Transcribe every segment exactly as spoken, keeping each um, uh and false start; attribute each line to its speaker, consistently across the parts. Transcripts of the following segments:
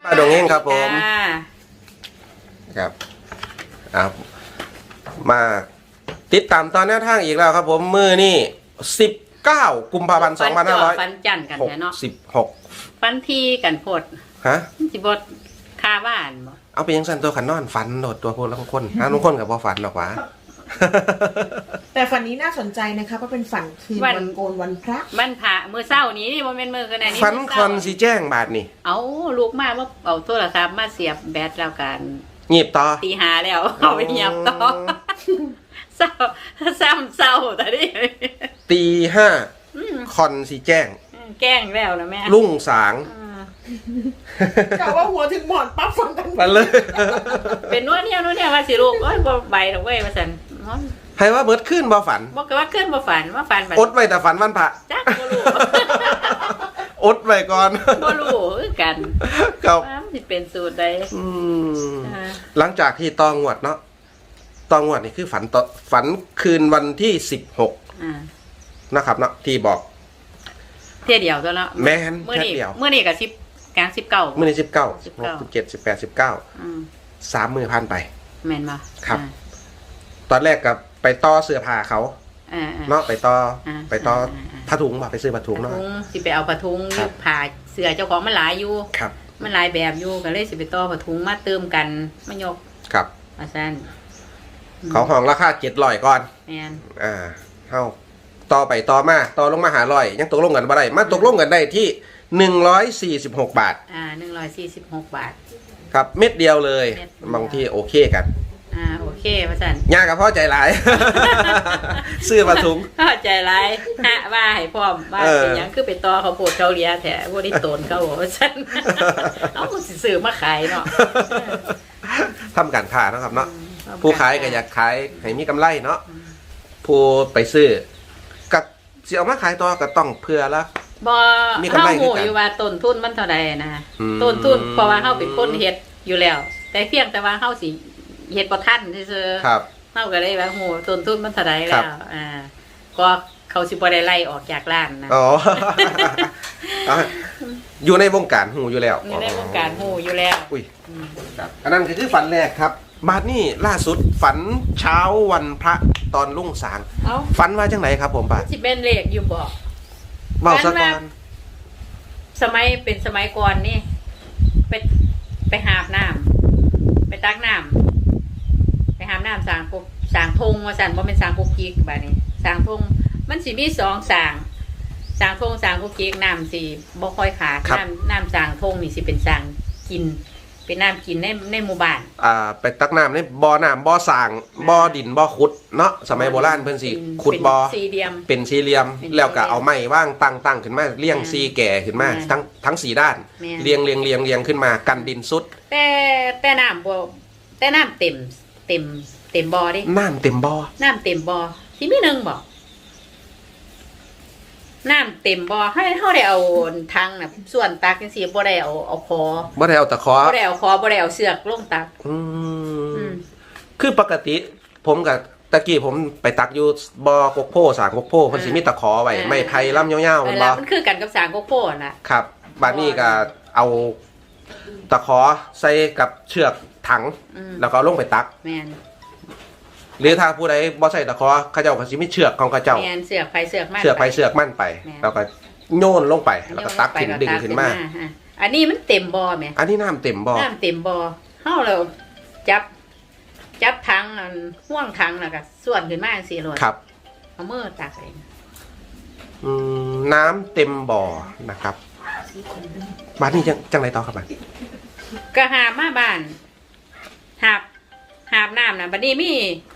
Speaker 1: ป้าดงเฮงครับผมครับครับมาติดตามตอนแนวทางอีกแล้วครับผมมือนี่สิบเก้ากุมภาพันธ์สองพันห้าร้อย
Speaker 2: ฟันจันกัน
Speaker 1: หก
Speaker 2: แท้เนาะ
Speaker 1: สิบหก
Speaker 2: ฟันทีกันโพด
Speaker 1: ฮะ
Speaker 2: สิบดคาบ้านบ่
Speaker 1: เอาไปยังสันตัวขันนอนฝันโดดตัวพวกละคนฮะลุงคนกับพอฝันหรอกวะ
Speaker 3: แต่ฝันนี้น่าสนใจนะคะเพราะเป็นฝันคืนวันโกนวันพระ
Speaker 2: บ้านพระมื้อเช้านี้นี่บ่แม่นมื้อกันไหนนี่
Speaker 1: ฝันคอนสีแจ้งบาทนี่
Speaker 2: เอาลูกมาว่าเอาโทรศัพท์มาเสียบแบตแล้วกัน
Speaker 1: หยิบต่อ
Speaker 2: ตีหาแล้วเอาไปเงียบต่อเศร้าซ้ำเศร้าแต่นี่
Speaker 1: ตีห้าคอนสีแจ้ง
Speaker 2: แกล้งแล้วนะแม่
Speaker 1: ลุ่งสาง
Speaker 3: กะว่าหัวถึงหมอนปั๊บฟังกัน
Speaker 1: มาเลย
Speaker 2: เป็นนวดเนี่ยนวดเนี่ยว่าสิลูกโอ้ยบ่ใบดอกเว้ยว่าซั่น
Speaker 1: ให้ว่าเบิดขึ้นบ่ฝัน
Speaker 2: บอกว่าขึ้นบ่ฝันว่าฝันบัด
Speaker 1: อดไว้แต่ฝันวันพระ
Speaker 2: จักบ่รู้
Speaker 1: อดไว้ก่อน
Speaker 2: บ่รู้คือกัน
Speaker 1: ครับ
Speaker 2: ว่ามันสิเป็นสูตรใด
Speaker 1: อืม
Speaker 2: อ่า
Speaker 1: หลังจากที่ตองวดเนาะตองวดนี่คือฝันต่อฝันคืนวันที่สิบหก
Speaker 2: อ่า
Speaker 1: นะครับเนาะที่บอก
Speaker 2: เที่ยเดียวตัวเนาะ
Speaker 1: แม่น
Speaker 2: มื้อ
Speaker 1: แค่
Speaker 2: นี้
Speaker 1: เดียว
Speaker 2: มื้อนี้ก็สิบกลางสิบเก้า
Speaker 1: มื่อนี้สิบเก้า
Speaker 2: สิ
Speaker 1: สิ
Speaker 2: บบ เก้า
Speaker 1: หกสิบเจ็ดสิบแปดสิบเก้า
Speaker 2: อืม
Speaker 1: สามมือพันไป
Speaker 2: แม่นบ่
Speaker 1: ครับ
Speaker 2: อ่า
Speaker 1: ตอนแรกกับไปต่อเสื้อผ้าเขา
Speaker 2: อ่าๆ
Speaker 1: เนาะไปต่อ
Speaker 2: อ่า
Speaker 1: ไปต่อ
Speaker 2: อ่าอ่า
Speaker 1: ผ้าถุงบ่ไปซื้อผ้าถุง
Speaker 2: ผ้า
Speaker 1: เนาะ
Speaker 2: ถุงสิไปเอาผ้าถุง
Speaker 1: ครับ
Speaker 2: ผ่าเสื้อเจ้าของมันหลายอยู่
Speaker 1: ครับ
Speaker 2: มันหลายแบบอยู่ก็เลยสิไปต่อผ้าถุงมาเติมกันมายก
Speaker 1: ครับ
Speaker 2: ว่าซั่น
Speaker 1: เขาห้องราคาเจ็ดร้อยก่อน
Speaker 2: แม่น
Speaker 1: อ่าเฮาต่อไปต่อมาต่อลงมาหาร้อยยังตกลงกันบ่ได้มาตกลงกันได้ที่หนึ่งร้อยสี่สิบหกบาท
Speaker 2: อ่าหนึ่งร้อยสี่สิบหกบาท
Speaker 1: ครับเม็ดเดียวเลย
Speaker 2: เม็ดเดียว
Speaker 1: บางที่โอเคกัน
Speaker 2: อ่าโอเคว่าซั่น
Speaker 1: ยากกับพ่อใจหลาย ซื้อผ้าถุง
Speaker 2: เข้าใจร้ายฮะว่าให้พร้อมว่า
Speaker 1: เออ
Speaker 2: เป็นหยังคือไปต่อเขาวโพดเขาเลียแท้บ่ได้โตนเขาบอกว่าซั่น เอาสิซื้อมาขายเนาะ
Speaker 1: ทำการค้าเนาะครับเนาะผู้ขายก็อยากขายให้มีกำไรเนาะผู้ไปซื้อกับสิเอามาขายต่อก็ต้องเพื่อละ
Speaker 2: บ่
Speaker 1: มีกำไร
Speaker 2: เฮา
Speaker 1: คือ
Speaker 2: หู
Speaker 1: กัน
Speaker 2: อยู่ว่าต้นทุนมันเท่าใดนะ
Speaker 1: อืม
Speaker 2: ต้นทุนเพราะว่าเฮาเป็นคนเฮ็ดอยู่แล้ว แต่เพียงแต่ว่าเฮาสิเฮ็ดบ่ทันซื่อ
Speaker 1: ครับ
Speaker 2: ๆเฮาก็เลยว่าหูต้นทุนมันเท่าใด
Speaker 1: ครั
Speaker 2: แล้
Speaker 1: บ
Speaker 2: วอ่าก็เขาสิบ่ได้ไล่ออกจากร้านนะ
Speaker 1: อ๋อ เอาอยู่ในวงการหูอยู่แล้ว
Speaker 2: นี่ในวงการหูอยู่แล้ว
Speaker 1: อุ้ยครับอันนั้นก็คือฝันแรกครับบาดนี้ล่าสุดฝันเช้าวันพระตอนรุ่งสาง
Speaker 2: เอ้า
Speaker 1: ฝันว่าจังไหนครับผมป้า
Speaker 2: สิเป็นเลขอยู่บ่
Speaker 1: เว้าซะก่อน
Speaker 2: สมัยเป็นสมัยก่อนนี่ไปไปหาบน้ำไปตักน้ำไปหาบน้ำสางปุ๊บสางทงว่าสั่นบ่เป็นสางปุ๊กกิ๊กแบบนี้สางทงมันสิมีสองสางสางทงสางปุ๊กกิ๊กน้ำสิบ่ค่อยขาดน้ำน้ำสางทงนี่สิเป็นสางกิน เป็นน้ำกินในในหมู่บ้าน
Speaker 1: อ่าไปตักน้ำในบ่อน้ำบ่อสร้างบ่อดินบ่อขุดเนาะสมัยโบราณเพิ่นสิขุดบ่อ
Speaker 2: เป็นสี่เหลี่ยม
Speaker 1: เป็นสี่เหลี่ยม
Speaker 2: เป็นสี่เหลี่ยม
Speaker 1: แล้วก็เอาไม้ว่างตั้งตั้งขึ้นมาเรียง
Speaker 2: แม่น
Speaker 1: ซีแก่ขึ้นมา
Speaker 2: แม่น
Speaker 1: ทั้งทั้งสี่ด้าน
Speaker 2: แม่น
Speaker 1: เรียงเรียงเรียงเรียงขึ้นมากันดินสุด
Speaker 2: แต่แต่น้ำบ่แต่น้ำเต็มเต็มเต็มบ่อดิ
Speaker 1: น้ำเต็มบ่อ
Speaker 2: น้ำเต็มบ่อที่มีหนึ่งบ่น้ำเต็มบ่อให้เขาได้เอาทางน่ะส่วนตักจังซี่บ่ได้เอาเอาคอ
Speaker 1: บ่ได้เอาตะขอ
Speaker 2: บ่ได้เอาคอบ่ได้เอาเสือกลงตัก
Speaker 1: อื
Speaker 2: อื
Speaker 1: ม
Speaker 2: ม
Speaker 1: คือปกติ ผมกับตะกี้ผมไปตักอยู่บ่อกกโพสางกกโพเพิ่นสิมีตะขอไว้ไม้ไผ่ลำยาวๆ
Speaker 2: เอ
Speaker 1: แม่
Speaker 2: อน แล้
Speaker 1: บ่
Speaker 2: วมันคือกันกับสางโกโก้น่ะ
Speaker 1: ครับบัดนี้ก็เอาตะขอใส่กับเชือกถัง
Speaker 2: อืม
Speaker 1: แล้วก็เอาลงไปตัก
Speaker 2: แม่น
Speaker 1: หรือถ้าผู้ใดบ่ใส่ตะขอเขาเจ้าก็สิมีเชือกของเขาเจ้า
Speaker 2: แม่นเสือกไผเสือกมัน
Speaker 1: เชือกไปเชือกมั่นไป
Speaker 2: แม่น
Speaker 1: แล้วก็โยนลงไปแล้วก็ตักขึ้นดึงขึ้นมา
Speaker 2: ฮะอันนี้มันเต็มบ่อแหม
Speaker 1: อันนี้น้ำเต็มบ่อ
Speaker 2: น้ำเต็มบ่อเฮาแล้วจับ จับถังอันห่วงถังแล้วก็ส่วนขึ้นมาจังซี่โลด
Speaker 1: ครับ
Speaker 2: เอามือตักเอง
Speaker 1: อืมน้ำเต็มบ่อนะครับบ้านนี้จังจังไรต่อครับบ้าน
Speaker 2: ก็หาบมาบ้านหาบหาบน้ำน่ะบัดนี้มี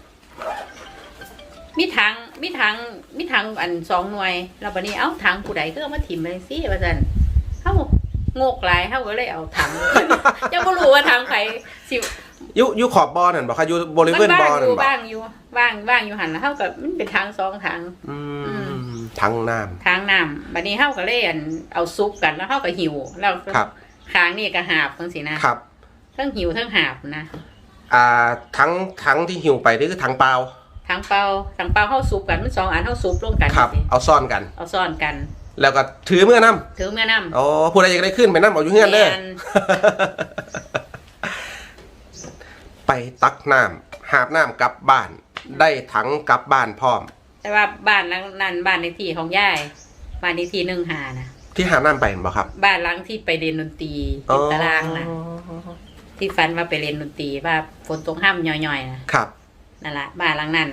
Speaker 2: มีถังมีถังมีถังอันสองหน่วยแล้วบัดนี้เอ้าถังผู้ใดก็เอามาถิ่มไปสิว่าซั่นเฮาโงกหลายเฮาก็เลยเอาถัง ยังบ่รู้ว่าถังไผสิ
Speaker 1: อยู่อยู่ขอบบ่อนั่นบ่ครับอยู่บริเว
Speaker 2: มัน
Speaker 1: ณบ่
Speaker 2: ว่า
Speaker 1: อง
Speaker 2: อ
Speaker 1: นั่น
Speaker 2: ยู่
Speaker 1: บ่
Speaker 2: ว่างอยู่ว่างว่างอยู่หั่นแล้วเฮาก็มันเป็นถังสองถัง
Speaker 1: อื
Speaker 2: อื
Speaker 1: มทั้งน้
Speaker 2: ถังน้ำบัดนี้เฮาก็เลยอันเอาซุปกันแล้วเฮาก็หิวแล้ว
Speaker 1: ครับ
Speaker 2: ข้างนี่ก็หาบจังซี่นะครับ ทั้งหิวทั้งหาบนะ
Speaker 1: อ่าทั้งทั้งที่หิวไปนี่คือทั้งเปล่า
Speaker 2: ถังเปล่าถังเปล่าเฮาซุปกันมันสองอันเฮาซุปร่วมกัน
Speaker 1: ครับ
Speaker 2: สิ
Speaker 1: เอาซ่อนกัน
Speaker 2: เอาซ่อนกัน
Speaker 1: แล้วก็ถือเมื่อนำ
Speaker 2: ถือเมื่อน้ำ
Speaker 1: อ๋อผู้ใดอยากได้ขึ้นไปนำเอาอยู่เฮือนเด้อ
Speaker 2: แม่น
Speaker 1: ไปตักน้ำหาบน้ำกลับบ้าน ได้ถังกลับบ้านพร้อม
Speaker 2: แต่ว่าบ้านหลังนั้นบ้านในที่ของยายบ้านในที่หนึ่งหานะ
Speaker 1: ที่หาบน้ำไปเห็นบ่ครับ
Speaker 2: บ้านหลังที่ไปเรียนดนตรีติดตารางนะที่ฟันว่าไปเรียนดนตรีว่าฝนตกห้ามย่อยๆนะครับ นั่นแหละบ้านหลังนั้น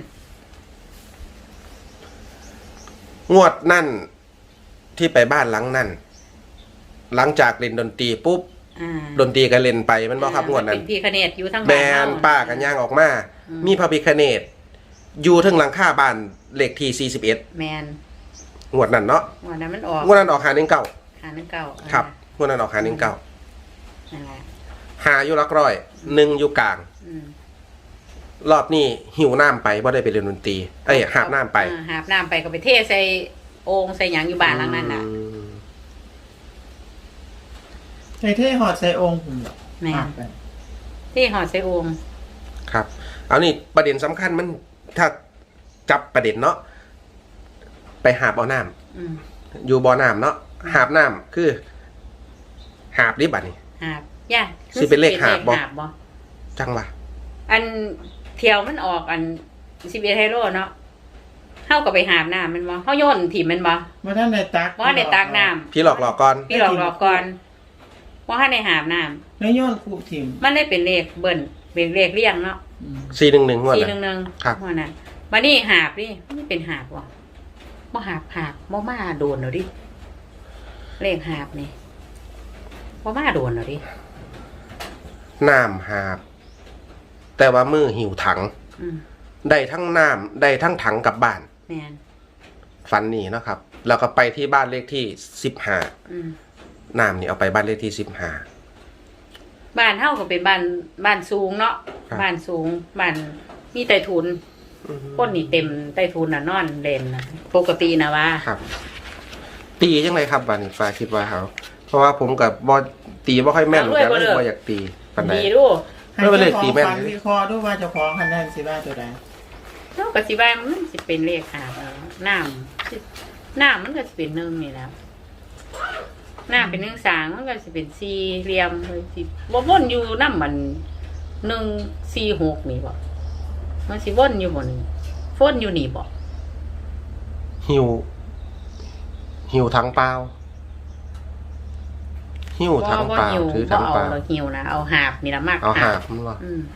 Speaker 1: งวดนั่นที่ไปบ้านหลังนั่นหลังจากเล่นดนตรีปุ๊บ
Speaker 2: อ่า
Speaker 1: ดนตรีก็เล่นไปมันบ่ครับงวดนั้น
Speaker 2: เป็นพี่คเนตอยู่ทั้ง
Speaker 1: แบ
Speaker 2: บ้าน
Speaker 1: น
Speaker 2: เฮา
Speaker 1: ป้ากันย่างออกมา
Speaker 2: อืม
Speaker 1: มีพระพิฆเนศอยู่ถึงหลังคาบ้านเลขที่สี่สิบเอ็ด
Speaker 2: แมน
Speaker 1: งวดนั้นเนาะ
Speaker 2: วันนั้นมันออก
Speaker 1: งวดนั้นออกหาหนึ่งเก้า
Speaker 2: หาหนึ่งเก้า
Speaker 1: ครับงวดนั้นออกหาหนึ่งเก้า
Speaker 2: นั่นแหละ
Speaker 1: หาอยู่หลักร้อยหนึ่งอยู่กลาง
Speaker 2: อืม
Speaker 1: รอบนี้หิวน้ำไปบ่ได้ไปเรียนดนตรีเอ้ยหาบน้ำไป
Speaker 2: อ่าหาบน้ำไปก็ไปเทใส่โอ่งใส่หยังอยู่บ้านหลังนั้นน่ะ
Speaker 1: อืม
Speaker 3: ใส่เท่หอดใส่องค์ผม
Speaker 2: แม่นที่หอดใส่โอ่ง
Speaker 1: ครับเอานี่ประเด็นสำคัญมันถ้าจับประเด็นเนาะไปหาบเอาน้ำ
Speaker 2: อืม
Speaker 1: อยู่บ่อน้ำเนาะหาบน้ำคือ หาบดิบัดนี่
Speaker 2: หาบย่า
Speaker 1: สิเป็นเลขหาบบ่
Speaker 2: บ่
Speaker 1: จังวะ
Speaker 2: อันเที่ยวมันออกอันสิบเอ็ดไฮโร่เนาะเฮาก็ไปหาบน้ำมันบ่เฮาโยนถิ่มมันบ่
Speaker 3: ว่าท่านในตัก
Speaker 2: ว่าในตักน้
Speaker 1: พี่หลอกหลอกก่อน
Speaker 2: ำพี่หลอกหลอกก่อนว่าให้ในหาบน้ำ
Speaker 3: แล้วย้อนคูบทิม
Speaker 2: มันได้เป็นเลขเบิ้ลเป็นเลขเลี่ยงเนาะ
Speaker 3: อืม
Speaker 1: สี่หนึ่งหนึ่งงวด
Speaker 2: สี่
Speaker 1: นะ
Speaker 2: หนึ่งหนึ่ง
Speaker 1: ครับ
Speaker 2: ว่านั้นมานี่หาบนี่มันเป็นหาบว่ะบ่หาบหาบบ่มาโดนเหรอดิเลขหาบนี่บ่มาโดนเหรอดิ
Speaker 1: น้ำหาบ แต่ว่ามือหิวถัง
Speaker 2: อืม
Speaker 1: ได้ทั้งน้ำได้ทั้งถังกลับบ้าน
Speaker 2: แม่น
Speaker 1: ฟันนี่เนาะครับ แล้วก็ไปที่บ้านเลขที่สิบห้า
Speaker 2: อืม
Speaker 1: น้ำนี่เอาไปบ้านเลขที่สิบห้า
Speaker 2: บ้านเฮาก็เป็นบ้านบ้านสูงเนาะ
Speaker 1: ครับ
Speaker 2: บ้านสูงบ้านมีใต้ถุนคนนี่เต็มใต้ถุนน่ะนอนเล่นน่ะปกตินะว่า
Speaker 1: ครับ ตีจังไรครับบ้านนี้ฟ้าคิดว่าเขาเพราะว่าผมกับบอตีบ่ค่อยแม่นเหมือนกันไม่บ่อยากตีปานใด
Speaker 2: ดีดู
Speaker 3: ให้
Speaker 1: ไม่เป็นเลข
Speaker 3: เจ้าข
Speaker 1: ตี
Speaker 3: อง
Speaker 1: แม่น
Speaker 3: ฟันวิเคราะห์ด้วยว่าเจ้าของคะแนนสิว่าตัวใด
Speaker 2: เนาะก็สิว่ามันสิเป็นเลขหาบเอาน้ำสิน้ำมันก็สิเป็นหนึ่งนี่แหล้วน้ำเป็นหนึ่งสางมันก็สิเป็นสี่เหลี่ยมเลยสิบ่วนอยู่น้ำมันหนึ่งสี่หกนี่บ่มันสิวนอยู่บ่นี่วนอยู่นี่บ่
Speaker 1: หิว หิวถังเปล่าหิวถัง
Speaker 2: บ่
Speaker 1: เปล่า
Speaker 2: หิว
Speaker 1: ถือ
Speaker 2: บ่
Speaker 1: ถัง
Speaker 2: เอา
Speaker 1: เปล่า
Speaker 2: เราหิวนะเอาหาบนี่ละมาก
Speaker 1: เอาหาบมันว่า
Speaker 2: อืม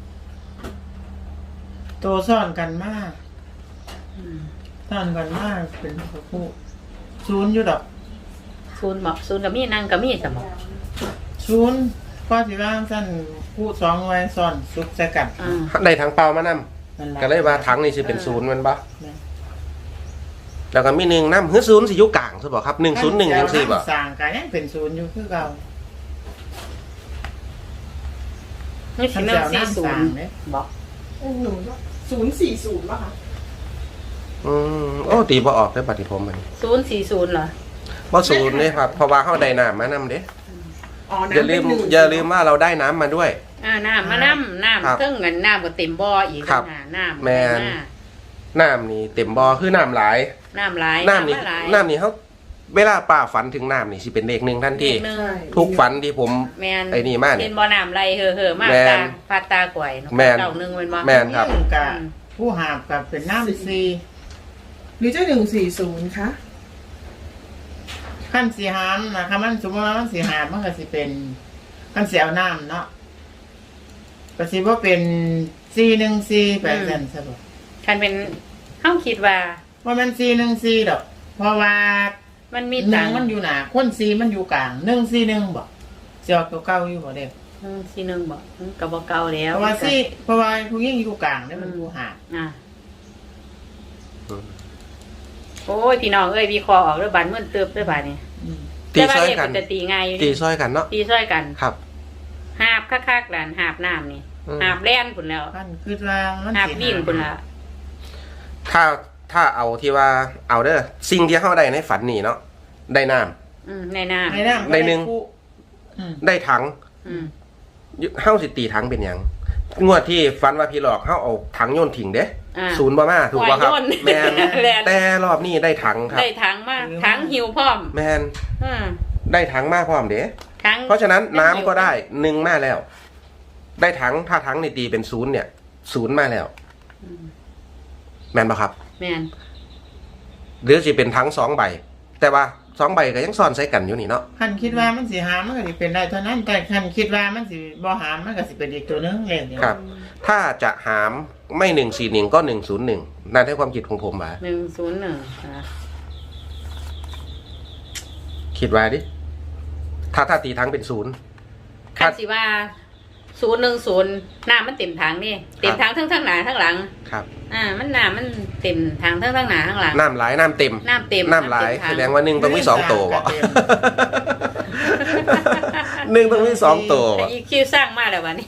Speaker 3: ตัวซ่อนกันมาก
Speaker 2: อืม
Speaker 3: ซ่อนกันมากเป็นผู้ศูนย์อยู่ดอก
Speaker 2: ศูนย์บ่ศูนย์ก็มีนั่งก็มีสมอง
Speaker 3: ศูนย์ก็สิว่าสั้นผู้สองไว้ซ่อนซุกใส่กัน
Speaker 2: อ่า
Speaker 1: ได้ถังเปล่ามานํ
Speaker 3: นั่นล่ะ
Speaker 1: ก็เลยว่าถังนี่สิเป็นศูนย์แมันบ่
Speaker 3: แม่น
Speaker 1: แล้วก็มีหนึ่งน้ำหื้อศูนย์สิอยู่กลางใช่บ่ครับหนึ่งศูนย์หนึ่งจังซี่บ่
Speaker 3: สร้างกันยังเป็นศูนย์อยู่คือเก่า
Speaker 2: นี่สิหนึ่งสี่ศูนย์บ่
Speaker 4: หนูศูนย์สี่ศูนย์ป่ะคะ
Speaker 1: อืมโอ้ตีบ่ออกได้อบัดนี้ผมมัน
Speaker 2: ศูนย์สี่ศูนย์เหรอ
Speaker 1: บ่ศูนย์เด้ครับเพราะว่าเฮาได้น้ำมานํเด้
Speaker 4: อ๋อ
Speaker 1: อย่าลืม
Speaker 4: น้ำเป็นหนึ่ง
Speaker 1: อย่าลืมว่าเราได้น้ำมาด้วย
Speaker 2: อ่าน้ำมาน้ำน้
Speaker 1: ครับ
Speaker 2: ำเทิงเงินน้ำก็เต็มบ่ออีก
Speaker 1: ครับ
Speaker 2: นะน้ำ
Speaker 1: แม่น น้ำนี่เต็มบ่อคือน้ำหลาย
Speaker 2: น้ำหลาย
Speaker 1: น้ำนี่
Speaker 2: มาหลาย
Speaker 1: น้ำนี่เขาเวลาป้าฝันถึงน้ำนี่สิเป็นเลขหนึ่งทันที
Speaker 2: หนึ่ง
Speaker 4: ใช่
Speaker 1: ทุกฝันที่ผม
Speaker 2: แมน
Speaker 1: ไอ้นี่มาเนี่ย
Speaker 2: เห็นบ่อน้ำไหลเห่อเห่อๆมาก
Speaker 1: แม่น
Speaker 2: ตาพาดตากล้วยเนาะ
Speaker 1: แม่น
Speaker 2: เก่าหนึ่งเป็นบ่
Speaker 1: แม่นครับ
Speaker 3: ยิ่งกะผู้หาบกับเป็นน้ำซี
Speaker 4: หรือจะหนึ่งสี่ศูนย์คะ
Speaker 3: ขั้นสีหามนะคะมันสมมติว่ามันสีหามมันก็สิเป็นขั้นเสียวน้ำเนาะก็สิว่าเป็นซีหนึ่งซีแปดเซนใช่ปะ
Speaker 2: คันเป็นเฮาคิดว่า
Speaker 3: ว่ามันซีหนึ่งซีดอก เพราะว่า
Speaker 2: มันมี
Speaker 3: หนึ่
Speaker 2: ตั
Speaker 3: ง
Speaker 2: งค์
Speaker 3: มันอยู่หนาคนซีมันอยู่กลางหนึ่งซีหนึ่งบอกเสียวตัวเก้าอยู่บ่เด็ก
Speaker 2: หนึ่งสี่หนึ่งบ่มันก็บ่เก่าแล้ว
Speaker 3: เพราะว่าซีเพราะว่าผู้หญิงอยู่กลางเนี่ยมันอยู่ห่าง
Speaker 2: อ่ะ
Speaker 1: อืม
Speaker 2: โอ้ยพี่น้องเอ้ยวิเคราะห์ออกเด้อบัดมื้อเติบเด้อบัดนี้
Speaker 3: อืม
Speaker 1: ตี
Speaker 2: แต่ว่า
Speaker 1: ซ้อย
Speaker 2: เลข
Speaker 1: กั
Speaker 2: มัน นจะตีง่ายอยู่
Speaker 1: ตี
Speaker 2: ดิ
Speaker 1: ซ้อยกันเนาะ
Speaker 2: ตีซ้อยกัน
Speaker 1: ครับ
Speaker 2: หาบคักๆหลานหาบน้ำนี่
Speaker 1: อืม
Speaker 2: หาบแล่นพุ่นแล้ว
Speaker 3: ขั้นคือว่ามัน
Speaker 2: หาบ
Speaker 3: สิ
Speaker 2: วิ่งพุ่นละ
Speaker 1: ถ้าถ้าเอาที่ว่าเอาเด้อสิ่งที่เขาได้ในฝันนี่เนาะได้น้
Speaker 2: อืมในน้ำ
Speaker 3: ในน้ำก็
Speaker 1: ในหนึ่ง
Speaker 3: ผู้อืม
Speaker 1: ำได้ถัง
Speaker 2: อืม
Speaker 1: เฮาสิตีถังเป็นหยังงวดที่ฟันว่าพี่หลอกเขาเอาถังโยนทิ้งเด้
Speaker 2: อ่า
Speaker 1: ศูนย์บ่มาถูกป่ะครับ
Speaker 2: หัวโยน
Speaker 1: แมน
Speaker 2: แลน
Speaker 1: แต่รอบนี้ได้ถังครับ
Speaker 2: ได้ถังมากถังหิวพร้อม
Speaker 1: แมน
Speaker 2: อ่า
Speaker 1: ได้ถังมาพร้อมเด้
Speaker 2: ถัง
Speaker 1: เพราะฉะนั้นน้ำก็ได้หนึ่งมาแล้ว ได้ถังถ้าถังในตีเป็นศูนย์เนี่ยศูนย์มาแล้ว
Speaker 2: อืม
Speaker 1: แมนป่ะครับ
Speaker 2: แม่น
Speaker 1: หรือจะเป็นถังสองใบ แต่ว่าสองใบก็ยังซ่อนใส่กันอยู่นี่เนาะ
Speaker 3: คันคิดว่ามันสิหามมันก็สิเป็นได้เท่านั้น แต่คันคิดว่ามันสิบ่หามมันก็สิเป็นอีกตัวหนึงเลขเดียว
Speaker 1: ครับ ถ้าจะหามไม่หนึ่งสี่หนึ่งก็หนึ่งศูนย์หนึ่งนั่นให้ความคิดของผมมา
Speaker 2: หนึ่งศูนย์หนึ่งอ่า
Speaker 1: คิดไว้ดิ ถ้าถ้าตีถังเป็นศูนย์
Speaker 2: คันสิว่าศูนย์หนึ่งศูนย์น้ำมันเต็มถังนี่เต็มถังทั้งทั้งหน้าทั้งหลัง
Speaker 1: ครับ
Speaker 2: อ่า มันน้ำมันเต็มถังทั้งทั้งหน้าทั้งหลัง
Speaker 1: น้ำไหลน้ำเต็ม
Speaker 2: น้ำเต็ม
Speaker 1: น้ำไหล
Speaker 2: น้ำเต็มถัง
Speaker 1: แสดงว่าหนึ่งต้องมีสองตัว บ่หนึ่งต้องมีสองตัว
Speaker 2: แต่
Speaker 1: บ่
Speaker 2: อีคิวสร้างมาแล้ววันนี้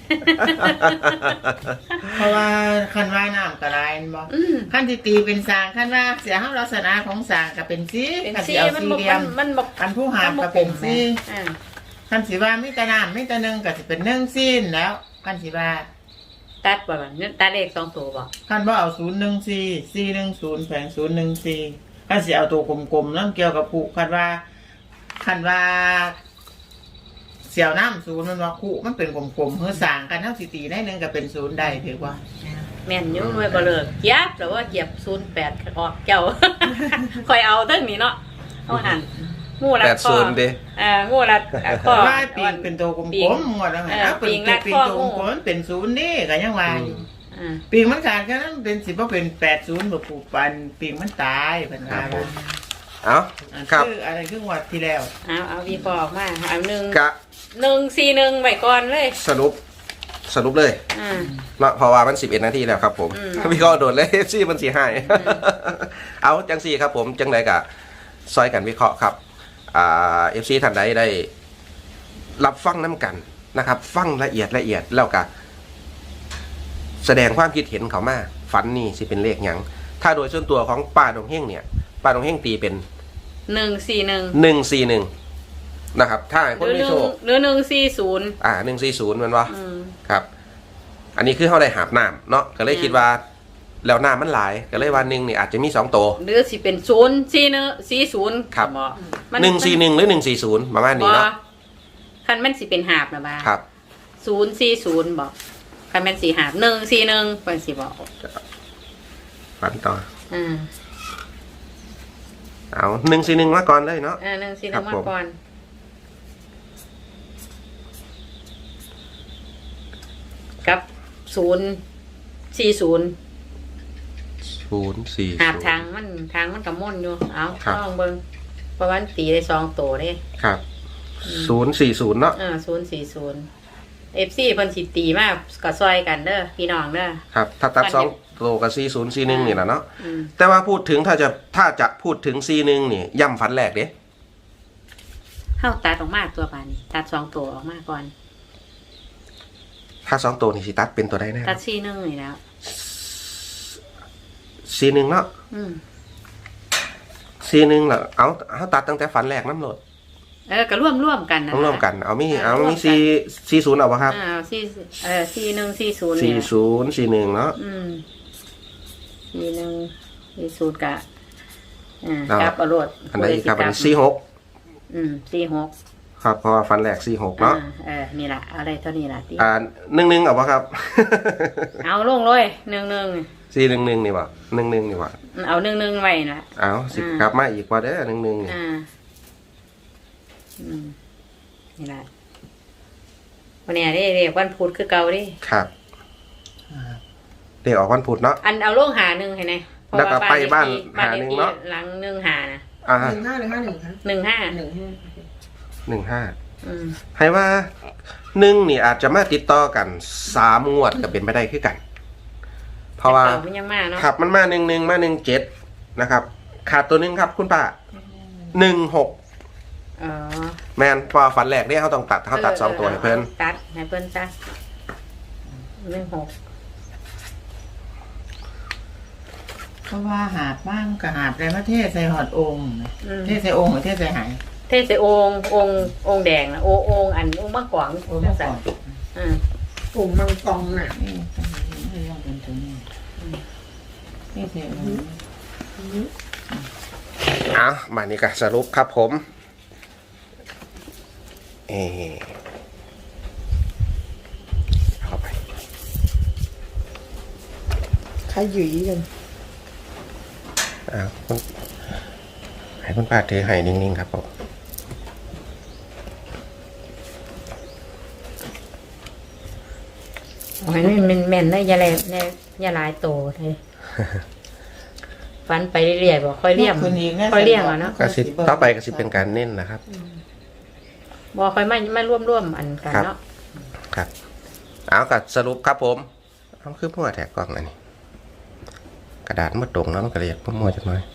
Speaker 3: เพราะว่าคันว่าน้ำกระไรบ่
Speaker 2: อืม
Speaker 3: คันที่ตีเป็นสร้างคันว่าเสียห้าลักษณะของสร้างก็เป็นสี
Speaker 2: เป็น
Speaker 3: คัน
Speaker 2: ซี
Speaker 3: สิเอา
Speaker 2: มัน
Speaker 3: สี่
Speaker 2: บอก
Speaker 3: เหลี่ย
Speaker 2: มั
Speaker 3: ม
Speaker 2: นมันบอก
Speaker 3: คันผู้หามก็เป็นสี
Speaker 2: อ่า
Speaker 3: คันสิว่ามีแต่น้ำมีแต่หนึ่งก็สิเป็นหนึ่งซีนแล้วคันสิว่า
Speaker 2: ตัดบ่แบบนี้ตัดเลขสองตัวบ่
Speaker 3: คันว่าเอาศูนย์หนึ่งสี่สี่หนึ่งศูนย์แผงศูนย์หนึ่งสี่คันสิเอาตัวกลมๆนั่นเกี่ยวกับผูคันว่าคันว่าเสี่ยวน้ำศูนย์มันว่าคู่มันเป็นกลมๆเฮือสร้างกันเท่าสิตีได้หนึ่งก็เป็นศูนย์ได้ถือว่า
Speaker 2: แม่นอยุ่งไว้บ่เลิกเกียบหรือว่าเกียบศูนย์แปดออกเจ้า คอยเอาตั้งนี้เนาะเอาหันงูรัด
Speaker 1: แปด
Speaker 2: คอ
Speaker 1: ศูนย์ดิ
Speaker 2: อ่างูรัดคอ
Speaker 3: ว่าปีงเป็นตัวกล
Speaker 2: ปี
Speaker 3: ม
Speaker 2: ง
Speaker 3: ๆหมดแล้วไง
Speaker 2: เออ
Speaker 3: เอาเป็น
Speaker 2: ปีง
Speaker 3: ตัว
Speaker 2: รัด
Speaker 3: ปีง
Speaker 2: ข้อ
Speaker 3: ตัว
Speaker 2: งู
Speaker 3: กลมๆมันเป็นศูนย์นี่ก็ยังว่าอยู่
Speaker 2: อ่า
Speaker 3: ปีงมันขาดแค่นั้นเป็นสิบว่าเป็นแปดศูนย์แบบผูกปันปีงมันตายเป็นว่า
Speaker 1: ครับผม เอา
Speaker 3: อัน
Speaker 1: ครับ
Speaker 3: คืออะไรครึ่งวัดที่แล้ว
Speaker 2: เอาเอาวีพอออกมาเอาหนึ่ง
Speaker 1: กะ
Speaker 2: หนึ่งสี่หนึ่งไว้ก่อนเลย
Speaker 1: สรุป สรุปเลย
Speaker 2: อ่า
Speaker 1: เนาะเพราะว่ามันสิบเอ็ดนาทีแล้วครับผม
Speaker 2: อืม
Speaker 1: พี่ก็โดดเลย เอฟซีมันสีให้ เอาจังสี่ครับผมจังไดกะซอยกันวิเคราะห์ครับอ่าเอฟซีท่านใดได้ รับฟังน้ำกันนะครับ ฟังละเอียดละเอียดแล้วก็แสดงความคิดเห็นเขามาฝันนี่สิเป็นเลขหยังถ้าโดยส่วนตัวของป้าดงเฮงเนี่ยป้าดงเฮงตีเป็น
Speaker 2: หนึ่งสี่หนึ่ง
Speaker 1: หนึ่งสี่หนึ่งนะครับ ถ้าให้
Speaker 2: ห
Speaker 1: คน
Speaker 2: รือ
Speaker 1: ไม่
Speaker 2: หนึ่
Speaker 1: โช
Speaker 2: ง
Speaker 1: ค
Speaker 2: หรือหนึ่งสี่ศูนย์
Speaker 1: อ่าหนึ่งสี่ศูนย์มันวะ
Speaker 2: อืม
Speaker 1: ครับ อันนี้คือเขาได้หาบน้ำเนาะก็เลยคิดว่า แล้วน้ำมันหลายก็เลยวันหนึ่งนี่อาจจะมีสองตัว
Speaker 2: หรือสิเป็นศูนย์สี่หนึ่งสี่ศูนย์
Speaker 1: ครับ
Speaker 2: มั
Speaker 1: หนึ่งสี่หนึ่งหรือหนึ่งสี่ศูนย์ประมาณนี้เนาะ
Speaker 2: คันแม่นสิเป็นหาบนะบ้า
Speaker 1: ครับ
Speaker 2: ศูนย์สี่ศูนย์บอกคันแม่นสี่หาบหนึ่งสี่หนึ่งเป็นสี่บอก
Speaker 1: ฝันต่อ
Speaker 2: อ่า
Speaker 1: เอาหนึ่งสี่หนึ่งมาก่อนเลยเนาะ
Speaker 2: อ่าหนึ่งสี่ห
Speaker 1: ครั
Speaker 2: นึ่
Speaker 1: บ
Speaker 2: งมา
Speaker 1: ผม
Speaker 2: ก่อนกับศูนย์สี่ศูนย์
Speaker 1: ศูนย์สี่
Speaker 2: หาบทางมันทางมันกับม่นอยู่เอา
Speaker 1: ครับ
Speaker 2: ลองเบิ้งเพราะว่ามันตีได้สองตัวเด้
Speaker 1: ครับศูนย์สี่ศูนย์เนาะ
Speaker 2: อ่าศูนย์สี่ศูนย์เอฟซีเพิ่นสิตีมากก็ซอยกันเด้อพี่น้องเด้อ
Speaker 1: ครับ ถ้าตัด
Speaker 2: อัน
Speaker 1: สอง
Speaker 2: นี้
Speaker 1: ตัวกับสี่ศูนย์สี่หนึ่งนี่แหละเนาะ
Speaker 2: อืม
Speaker 1: แต่ว่าพูดถึงถ้าจะถ้าจะพูดถึงสี่หนึ่งนี่ย่ำฝันแรกเด้
Speaker 2: เข้าตัดออกมาตัวปานนี้ตัดสองตัวออกมาก่อน
Speaker 1: ถ้าสองตัวนี่สิตัดเป็นตัวใดแน่
Speaker 2: ตัดสี่หนึ่งนี่แล้ว
Speaker 1: สี่หนึ่งเนาะ
Speaker 2: อืม
Speaker 1: สี่หนึ่งเหรอเอาเอาตัดตั้งแต่ฝันแรกน้ำโหลด
Speaker 2: เออก็ร่วมร่วมกันนะ
Speaker 1: ต้องร่วมกัน เอามี
Speaker 2: เออ
Speaker 1: เอา
Speaker 2: ร่วม
Speaker 1: มี
Speaker 2: กัน
Speaker 1: สี่สี่ศูนย์เอาปะครับ
Speaker 2: อ่าสี่เออสี่หนึ่งสี่ศูนย์
Speaker 1: สี่
Speaker 2: เนี่ย
Speaker 1: ศูนย์สี่หนึ่งเนาะ
Speaker 2: อืมสี่หนึ่งสี่ศูนย์กะอ่า
Speaker 1: เอา
Speaker 2: กับอรวด
Speaker 1: อันไหนอีกครับอันนี้สี่หก
Speaker 2: อืมสี่หก
Speaker 1: ครับเพราะว่าฝันแรกสี่หก
Speaker 2: อ่า
Speaker 1: เนาะ
Speaker 2: เออนี่แหละเอะไรเท่านี้แหละที่
Speaker 1: อ่าหนึ่งหนึ่งเอาปะครับ
Speaker 2: เอาลงเลยหนึ่งหนึ่ง
Speaker 1: สี่หนึ่งหนึ่งนี่วะหนึ่งหนึ่งนี่วะ
Speaker 2: เอาหนึ่งหนึ่งไว้นะ
Speaker 1: เอาสิ
Speaker 2: อ่า
Speaker 1: กลับมาอีกว่าเด้อหนึ่งหนึ่งนี่
Speaker 2: อ่าอืมนี่แหละวันนี้เรียกเรียกวันพุธคือเก่าดิ
Speaker 1: ครับเดี๋ยวออกวันพุธเนาะ
Speaker 2: อันเอาลงหาหนึ่งให้ไหนเพราะ
Speaker 1: แล้วก็
Speaker 2: ว่า
Speaker 1: ไปบ้าน
Speaker 2: เลขที่
Speaker 1: หาหนึ่งเนอะ
Speaker 2: บ้ลขที่หลังหนึ่งหานะ
Speaker 1: อ่า
Speaker 4: หนึ่งห้าหรือห้าหนึ่งคะ
Speaker 2: หนึ่งห้า
Speaker 4: หนึ่งห้า
Speaker 1: หนึ่งห้า
Speaker 2: อืม
Speaker 1: ให้ว่าหนึ่งนี่อาจจะมาติดต่อกันสามงวดก็เป็นไปได้คือกัน เพราะว่า
Speaker 2: แต่ก่มันยังมาเนาะ
Speaker 1: ขับมันมาหนึ่งหนึ่งมาหนึ่งเจ็ดนะครับ ขาดตัวหนึ่งครับคุณป้าหนึ่งหก
Speaker 2: อ๋อ
Speaker 1: แมนพอฝันแรกเนี่ยเขาต้องตัดเขาตัดสองตัวให้เพิ่น
Speaker 2: ตัดให้เพิ่นจ้ะหนึ่งหก
Speaker 3: เพราะว่าหาบบ้างกับหาบในประเทศใส่หอดองค์นะเทศใส่องค์หรือเทศใส่หาย
Speaker 2: เทศใส่องค์องค์องค์แดงนะโอองค์อันองค์มะกวาง
Speaker 3: โอ้ยเมื่อก่อน
Speaker 2: อ่า
Speaker 4: ปุ่มมังกรน่ะ
Speaker 3: นี่ต้องเห็นให้ลองเป็นตัวนี้นี่เสียง
Speaker 1: อ่ะมานี่ก็สรุปครับผมเอเข้าไป
Speaker 4: ขยุยกัน
Speaker 1: อ่าคุณให้คุณป้าถือให้นิ่งๆครับผม
Speaker 2: โอ้ยมันแม่นๆนะอย่าแลเนี่ยอย่าหลายโตเลยฟันไปเรื่อยๆบอกค่อยเลี้ยงค่อยเลี้ยงอ่ะเนาะ
Speaker 1: ก็สิต่อไปก็สิเป็นการเน้นนะครับ
Speaker 2: บอกค่อยมามาร่วมร่วมๆอันกันเนาะ
Speaker 1: ครับเอากัสรุปครับผมเอาคือมั่วแถกกล้องอันนี้กระดาษมาตรงแล้วมันก็เลยอยากมั่วจังเลย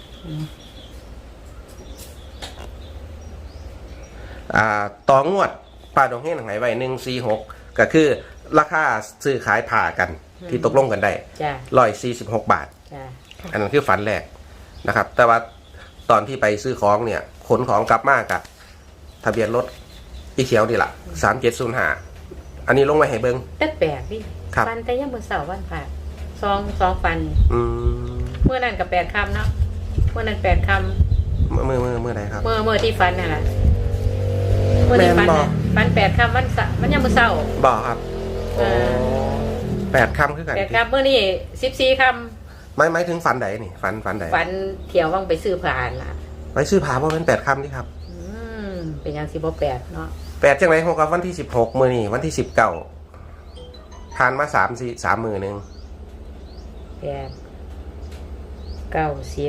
Speaker 1: อ่าต่องวดป้าดงเฮงไหนไว้หนึ่งสี่หกก็คือราคาซื้อขายผ่ากันที่ตกลงกันได้
Speaker 2: จ้ะ
Speaker 1: ร้อยสี่สิบหกบาท
Speaker 2: จ้ะ
Speaker 1: อันนั้นคือฝันแรกนะครับ แต่ว่าตอนที่ไปซื้อของเนี่ยขนของกลับมากะทะเบียนรถอีเขียวดีละสามเจ็ดศูนย์ห้าอันนี้ลงไว้ให้เบิ้ง
Speaker 2: แต่แปลกดิ
Speaker 1: ครับ
Speaker 2: ฟันแต่ยังบนเสาร์วันผ่าสองสองฟัน
Speaker 1: อืม
Speaker 2: เมื่อนั้นกับแปดคำเนาะเมื่อนั้นแปดค
Speaker 1: เมื่อเมื่อเมื่อเมื่อไหนครับ
Speaker 2: ำเมื่อเมื่อที่ฟันน่ะล่ะเมื่อที่ฟัน
Speaker 1: แม่นบ่
Speaker 2: น่ะฟันแปดคำวันเสาร์มันยังบนเสาร์
Speaker 1: บอกครับ
Speaker 2: เออ
Speaker 1: แปดคำคือกัน
Speaker 2: แปดคำเมื่อนี่สิบสี่ค
Speaker 1: ไม่ไม่ถึงฝันใดนี่ฝันฝันใด
Speaker 2: ำฟันเที่ยวว่างไปซื้อผ่านล่ะ
Speaker 1: ไปซื้อผาเพราะเป็นแปดคำนี่ครับ
Speaker 2: อืมเป็นยังสิบแปดเนาะ
Speaker 1: แปดจังไรหกกับวันที่สิบหกมือนี่วันที่สิบเก้าผ่านมาสามสี่สามมือหนึ่ง
Speaker 2: แปดเก้าสิบ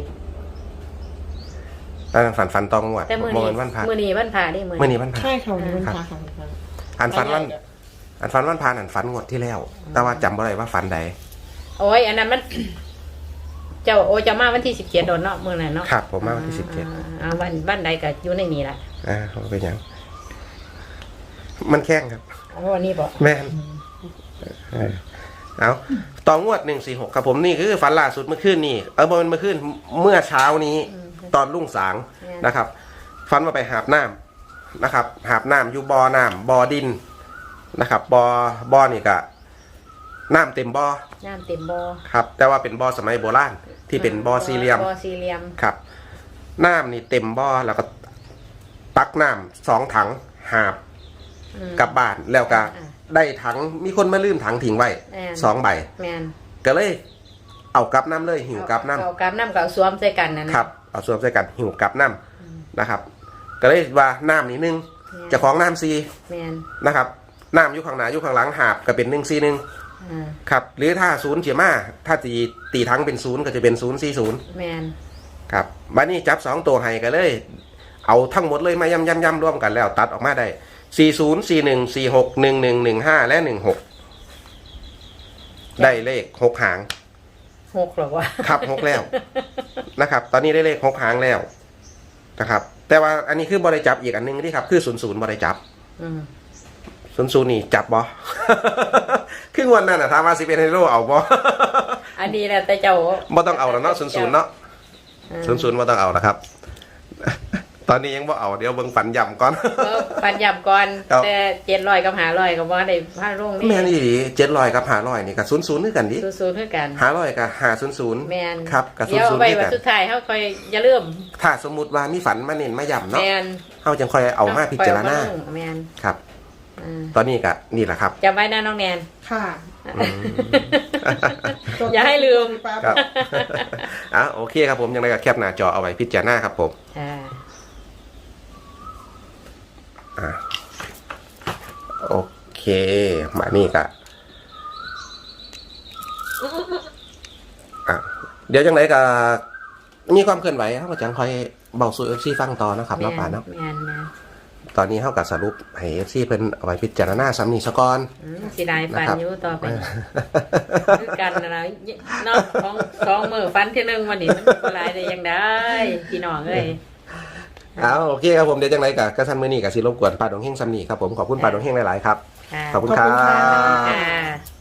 Speaker 1: ตอนนั้นฝันฝันตองงวด
Speaker 2: แต่มื่อ
Speaker 1: โม
Speaker 2: นี้
Speaker 1: เนวันพา
Speaker 2: มื่อนี้วันผ่าได้มื่อ
Speaker 1: เมื่อนี้วันพา
Speaker 4: ใช่ค่ะวันนี้มันพาค่ะ
Speaker 1: อันฝันวันอันฝันวันพาอันฝันงวดที่แล้ว แต่ว่าจำบ่ได้ว่าฝันใด
Speaker 2: โอ้ยอันนั้นมัน เจ้าโอเจะมาวันที่สิบเจ็ดโดนเนาะมื่อนั้นเนาะ
Speaker 1: ครับผมมาวันที่สิบเจ็ด
Speaker 2: อ่าวันวันใดก็อยู่ในนี้ล่ะ
Speaker 1: อ่าเขาเป็นหยัง มันแข้งครับ
Speaker 2: เอาวันนี้บอก
Speaker 1: แม่นเออเอาต่องวดหนึ่งสี่หกครับผมนี่คือฝันล่าสุดเมื่อคืนนี่เออมันเมื่อคืนเมื่อเช้านี้ ตอนรุ่งสางนะครับฝันว่าไปหาบน้ำนะครับ หาบน้ำอยู่บ่อน้ำบ่อดินนะครับบ่อบ่อนี่ก็น้ำเต็มบ่อ
Speaker 2: น้ำเต็มบ่อ
Speaker 1: ครับ แต่ว่าเป็นบ่อสมัยโบราณที่เป็นบ่อสี่เหลี่ยม
Speaker 2: บ่อสี่เหลี่ยม
Speaker 1: ครับน้ำนี่เต็มบ่อแล้วก็ตักน้ำสองถังหาบ
Speaker 2: อืม
Speaker 1: กลับบ้านแล้วก็
Speaker 2: อ่า
Speaker 1: ได้ถังมีคนมาลืมถังทิ้งไว้
Speaker 2: แม่น
Speaker 1: สองใบ
Speaker 2: แมน
Speaker 1: ก็เลยเอากลับน้ำเลยหิวกลับน้
Speaker 2: เอากับน้ำกับสวมใส่กันนะ
Speaker 1: ำ
Speaker 2: นะครับ
Speaker 1: เอาสวมใส่กันหิวกลับน้ำนะครับ ก็เลยว่าน้ำนี่หนึ่งเจะของน้ำซี
Speaker 2: แมน
Speaker 1: นะครับน้ำอยู่ข้างหน้าอยู่ข้างหลังหาบก็เป็นหนึ่งซีหนึ่ง
Speaker 2: อ่า
Speaker 1: ครับหรือถ้าศูนย์เฉียมาถ้าตีตีทั้งเป็นศูนย์ก็จะเป็นศูนย์สี่ศูนย์
Speaker 2: แมน
Speaker 1: ครับบัดนี้จับสองตัวให้กันเลย เอาทั้งหมดเลยมาย่ำย่ำย่ำร่วมกันแล้วตัดออกมาได้สี่ศูนย์สี่หนึ่งสี่หกหนึ่งหนึ่งหนึ่งห้าและหนึ่งหกได้เลขหกหาง
Speaker 2: หกหรอวะ
Speaker 1: ครับหกแล้วนะครับ ตอนนี้ได้เลขหกหางแล้วนะครับ แต่ว่าอันนี้คือบริจับอีกอันหนึงที่ครับคือศูนย์ศูนย์บริจับ
Speaker 2: อืม
Speaker 1: ศูนย์ศูนย์นี่จับบอ ครึ่งวันนั่นอะทามาสิเป็นไฮโร่เอาบอ
Speaker 2: อันนี้แหละแต่เจ้า
Speaker 1: บ่ต้องเอาแล้วเนาะศูนย์ศูนย์เนาะศูนย์ศูนย์บ่ต้องเอาแล้วครับ ตอนนี้ยังบ่เอาเดี๋ยวเบิ่งฝันย่ำก่อน
Speaker 2: เออปันยับก่อน
Speaker 1: ครับ
Speaker 2: แต่เจ็ดร้อยกับหาร้อยกับว่าได้ผ้าร่งนี่
Speaker 1: แม่นอีหลีเจ็ดร้อยกับห้าร้อยนี่กับศูนย์ศูนย์คือกันดิ
Speaker 2: ศูนย์ๆเท่ากัน
Speaker 1: ห้าร้อยกับห้าศูนย์ศูนย์
Speaker 2: แมน
Speaker 1: ครับกับศูน
Speaker 2: เดี๋ย
Speaker 1: ย์
Speaker 2: ว
Speaker 1: ศูนย์
Speaker 2: ไป
Speaker 1: คือ
Speaker 2: วัน
Speaker 1: กัน
Speaker 2: สุดท้ายเขาคอยอย่าลืม
Speaker 1: ถ้าสมมุติว่ามีฝันมาเน้นมาย่ำ
Speaker 2: แม
Speaker 1: เนาะ
Speaker 2: น
Speaker 1: เฮาจังค่อยเอามาพิจารณา
Speaker 2: คอยเอมลงแมน
Speaker 1: ครับ
Speaker 2: อ่า
Speaker 1: ตอนนี้ก็นี่แหละครับ
Speaker 2: จำไว้นะน้องแนน
Speaker 4: ค่ะ
Speaker 1: อืม
Speaker 2: อย่าให้ลืม
Speaker 1: ครับ อ่ะโอเคครับผมยังไงก็แคปหน้าจอเอาไว้พิจารณาครับผม
Speaker 2: อ่า
Speaker 1: อ่ะโอเคมานี่ก็อ่ะเดี๋ยวจังไหนก็มีความเคลื่อนไหวเขาก็จังคอยเบาสู่เอฟซีฟังต่อนะครับ
Speaker 2: แม
Speaker 1: เนาะ
Speaker 2: น
Speaker 1: ป่าเนาะ
Speaker 2: แมนนะ
Speaker 1: ตอนนี้เขากับสรุปให้เอฟซีเพิ่นเอาไว้พิจารณาซ้ำนี่ซะก่อน
Speaker 2: อืมสิได้ฟัน
Speaker 1: นะครับ
Speaker 2: อยู่ต่อไปคือกันนะนะเนาะของสองมือฟันที่หนึ่งวันนี้มันบ่หลายได้ยังได้พี่น้องเอ้ย
Speaker 1: เอาโอเคครับผมเดี๋ยวจังไหนกับกระทันมือนี่กับสิรบกวนป่าดงเฮงซ้ำนี่ครับผมขอบคุณป่าดงเฮงหลายๆครับ
Speaker 2: ค่ะ
Speaker 1: ขอบคุณ
Speaker 4: ขอบ
Speaker 1: ครั
Speaker 4: คุณค่ะ
Speaker 1: บ
Speaker 2: ค่ะ